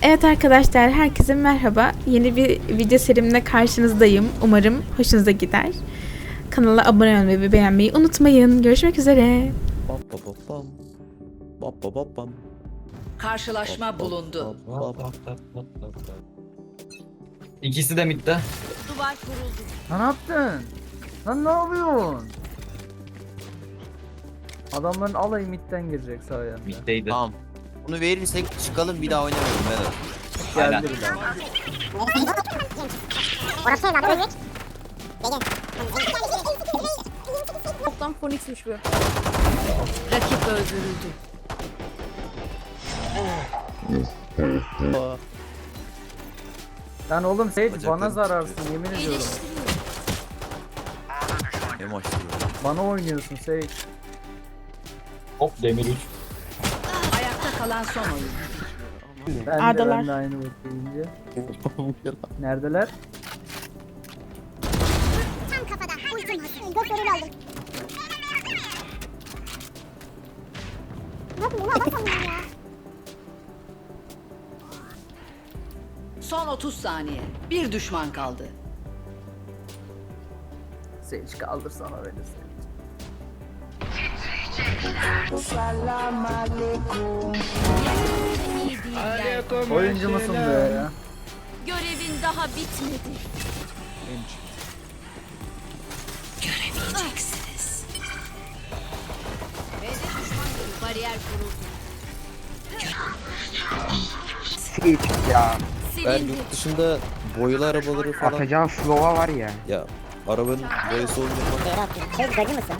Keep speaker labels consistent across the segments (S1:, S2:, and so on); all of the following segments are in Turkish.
S1: Evet arkadaşlar, herkese merhaba. Yeni bir video serimle karşınızdayım. Umarım hoşunuza gider. Kanala abone olmayı ve beğenmeyi unutmayın. Görüşmek üzere.
S2: Karşılaşma bulundu.
S3: İkisi de midde.
S2: Duvar kuruldu.
S4: Lan ne yaptın? Lan ne yapıyorsun? Adamların alayı midden girecek sahaya.
S3: Middeydi.
S5: Tamam. Bunu verirsek çıkalım bir daha oynamayalım beyler.
S3: Aynen.
S4: Geldi bir daha.
S6: Orası ne lan? Buraya geç.
S7: Toplam Phoenix'miş bu.
S2: Rakip öldürüldü.
S4: Lan oğlum Sage
S5: Bacaklarım
S4: bana
S5: titriyor.
S4: zararsın yemin ediyorum.
S5: Hem açtı.
S4: Bana oynuyorsun Sage.
S3: Hop demir 3.
S2: Ayakta kalan son oyun.
S1: Adalar.
S4: Ben de aynı bekleyince. Neredeler?
S6: Tam kafada. Ultim hazır. Gökleri aldım. Ne yapayım? Bunu alamam ya.
S2: Son 30 saniye. Bir düşman kaldı.
S4: Sage kaldır sana beni Sage. Oyuncu musun be ya?
S7: Görevin daha bitmedi.
S2: Göremeyeceksiniz.
S7: Bariyer kuruldu.
S8: Ya
S5: Ben
S7: Silindi.
S5: yurt dışında boyalı arabaları falan
S8: atacağın slova var ya.
S5: ya arabanın boyası olunca falan
S6: Geri atıyorum. Şey gacı mısın?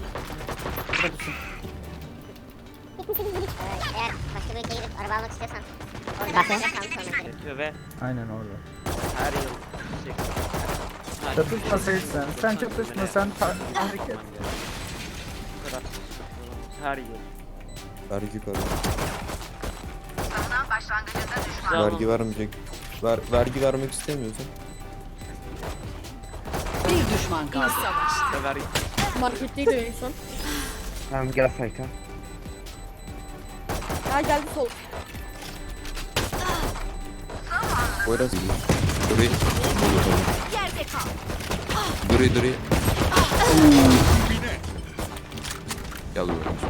S6: Eğer başka bir ülkeye gidip araba almak istiyorsan orada kalmış olmak gerek.
S4: Aynen orada.
S8: Her yıl
S4: Çatışma Sage sen. Sen çatışma sen tahrik et.
S8: her yıl.
S5: vergi karı. Vergi vermeyecek. Vergi vermek istemiyorsan
S2: Bir düşman kaldı.
S8: Vergi.
S7: Marketteydi en son.
S8: Tamam gel sayka.
S7: Ha geldi sol.
S5: Poyraz geliyor. Durayım.
S7: Yerde kal.
S5: Durayım. Gel buraya.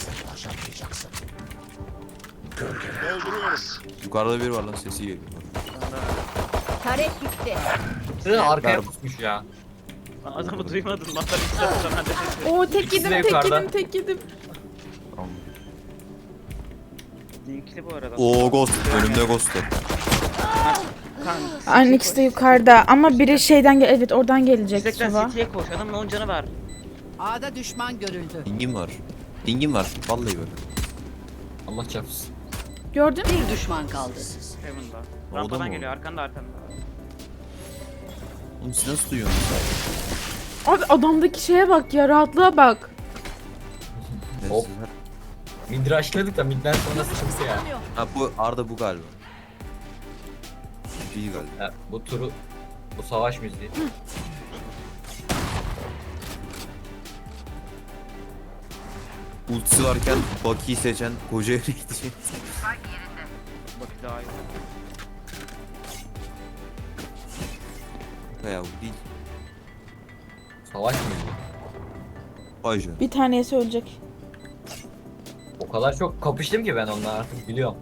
S5: Yukarıda biri var lan, sesi geliyor.
S7: Taret gitti.
S3: Arkaya
S5: Ver.
S3: pusmuş ya.
S8: Adamı duymadın lan. Ben de
S1: Oo, tek
S3: İkisi de
S1: yedim, tek
S3: yukarıda.
S1: yedim, tek yedim.
S5: Tamam.
S8: linkli bu arada.
S5: Oo, ghost. Önümde ghost var.
S1: Aynı ikisi de yukarıda ama biri şeyden evet oradan gelecek
S8: Yüzekten
S1: Suva.
S8: City'ye koş. Adamın 10 canı var.
S2: A'da düşman görüldü.
S5: Dingim var. Vallahi bak.
S3: Allah çarpsın.
S1: Gördün mü?
S2: Bir düşman kaldı.
S8: Heaven'da.
S5: Oldu
S8: Rampadan
S5: mu?
S8: geliyor. Arkanda.
S5: Oğlum siz nasıl duyuyorsunuz?
S1: Abi adamdaki şeye bak ya, rahatlığa bak.
S3: Hop. Mid rushladık da midden sonra sıkıntı ya.
S5: Ha, bu Arda bu galiba. İyi galiba.
S3: Ha, bu savaş müziği.
S5: Ultisi varken Bucky'yi seçen koca yere gidecek.
S8: Bak daha iyi.
S5: Ya bu değil.
S3: Savaş müziği.
S5: Vay canına.
S1: Bir tanesi ölecek.
S3: O kadar çok kapıştım ki ben onunla artık biliyorum.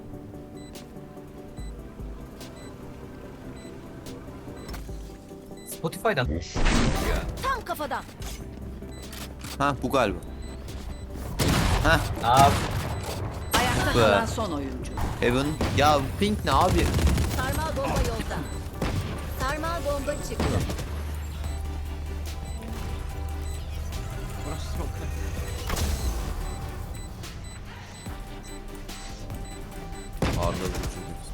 S3: Spotify'dan
S7: Tam kafadan.
S5: Ha, bu galiba.
S3: Aa,
S2: Ayakta
S5: Be.
S2: kalan son oyuncu.
S5: Heaven. Ya bu Pink ne abi?
S7: Sarmal bomba yolda. Sarmal bomba çıktı.
S8: Burası smoke.
S5: Arda bu.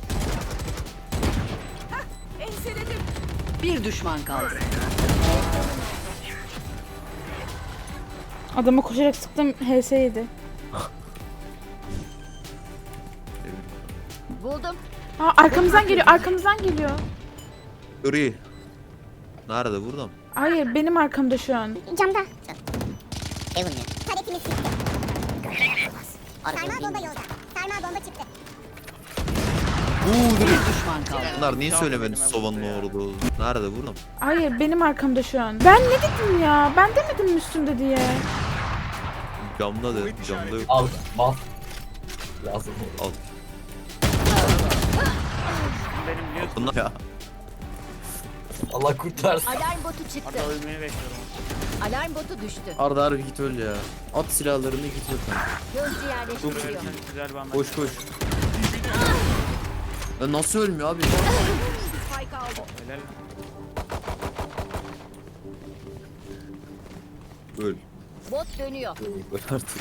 S7: Enseledim.
S2: Bir düşman kaldı.
S1: Adama koşarak sıktım, HS yedi.
S7: Buldum.
S1: Aa, arkamızdan geliyor, arkamızdan geliyor.
S5: Gri. Nerede? Burada mı?
S1: Hayır, benim arkamda şu an.
S6: Camda. Evan ya. Taretimiz gitti. Sarmal bomba yolda. Sarmal bomba çıktı.
S2: Bir düşman kaldı.
S5: Bunlar niye
S8: Çaldı
S5: söylemedi
S8: elime
S5: Sova'nın
S8: vurdu ya.
S5: orada olduğunu? Nerede burada mı?
S1: Hayır benim arkamda şu an. Ben ne dedim ya? Ben demedim mi üstünde diye.
S5: Camda da camda yok.
S3: Al. Bas. Lazım.
S5: Al.
S8: Benim biliyorsun.
S5: Bunlar ya.
S3: Allah kurtarsın.
S7: Alarm botu çıktı.
S8: Arada ölmeyi bekliyorum.
S7: Alarm botu düştü.
S5: Arda harbi git öl ya. At silahlarını git öl.
S7: Gözcü yerleştiriliyor.
S8: Ölürsen güzel bir anda.
S5: Koş koş. Ya nasıl ölmüyor abi?
S7: Spike aldı.
S8: Helal.
S5: Öl.
S7: Bot dönüyor.
S5: Öl artık.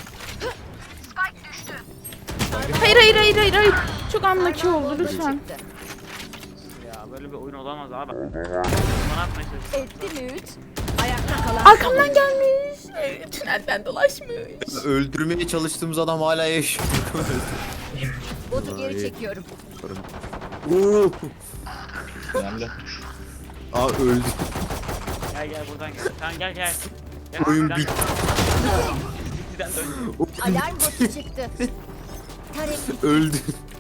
S1: Hayır. Çok unlucky
S7: Sarmal
S1: oldu
S7: bomba
S1: lütfen.
S7: çıktı.
S8: Ya böyle bir oyun olamaz abi. Bana atmaya çalışıyor.
S7: Etti mi 3?
S2: Ayakta kalan
S1: Arkamdan gelmiş. Tünelden dolaşmış.
S5: Öldürmeye çalıştığımız adam hala yaşıyor.
S7: Botu geri çekiyorum.
S5: Oo.
S3: Önemli.
S5: Aa öldü.
S8: Gel buradan gel. Tamam gel. Gel,
S5: Oyun
S8: buradan
S5: bitti.
S8: gel. Bittiden dön.
S7: Alarm botu çıktı. Tarek
S5: Öldü.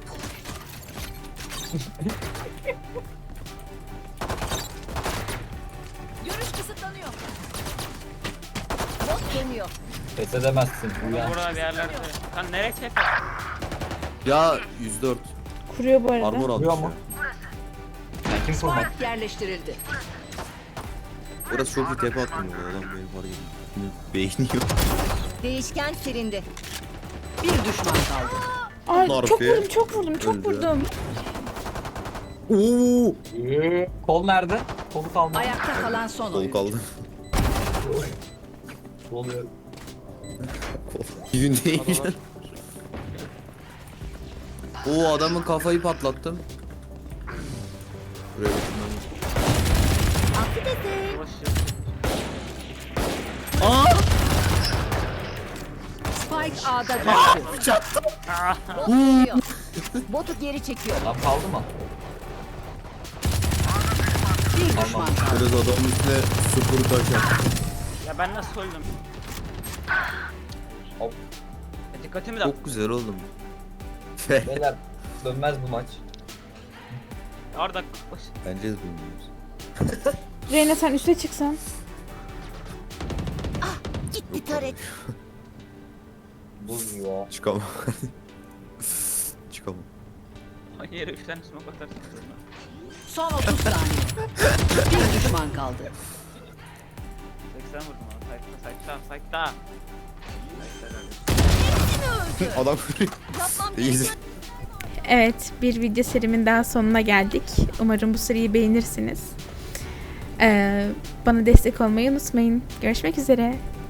S7: görüş kısıtlanıyor. Bot dönüyor.
S3: Pes edemezsin. Uyan.
S8: Burada bir yerlerde. Sen nereye çek?
S5: Ya 104.
S1: Kuruyor bu arada.
S5: Armor almış
S3: Vuruyor mu?
S5: ya.
S3: Sen kim kurmak?
S2: Spike yerleştirildi.
S5: Burası çok iyi tepe attım bu adam benim var gibi. Beyni yok.
S7: Değişken silindi.
S2: Bir düşman kaldı.
S1: Ay
S5: Narfi.
S1: çok vurdum.
S5: Oo.
S3: Kol nerede? Kolu kalmadı.
S2: Ayakta kalan son
S5: Kol
S2: oyuncu.
S5: kaldı.
S3: Kol yok.
S5: Gün değil. Oo adamın kafayı patlattım. Buraya bakın.
S7: Affedersin.
S8: Ulaşıyor.
S2: Spike A'da düştü.
S7: Bot dönüyor. Botu geri çekiyor.
S3: Lan kaldı mı?
S2: Bir düşman kaldı.
S5: Biraz adamın üstüne sıfır taşak.
S8: Ya ben nasıl öldüm?
S3: Hop.
S8: Dikkatimi dağıt.
S5: Çok güzel oldum.
S3: Beyler dönmez bu maç.
S8: Arda koş.
S5: Bence de bilmiyoruz.
S1: Reyna sen üste çıksan.
S7: Gitti Tarek.
S3: Buz ya.
S5: Çıkamam. Çıkamam.
S8: Yere 3 tane smoke atarsın.
S2: Son 30 saniye. Bir düşman kaldı.
S8: 80 vurdum ama. Sayıkta.
S5: Adam
S7: Yapmam
S5: İyi.
S7: gereken
S1: Evet, bir video serimin daha sonuna geldik. Umarım bu seriyi beğenirsiniz. Bana destek olmayı unutmayın. Görüşmek üzere.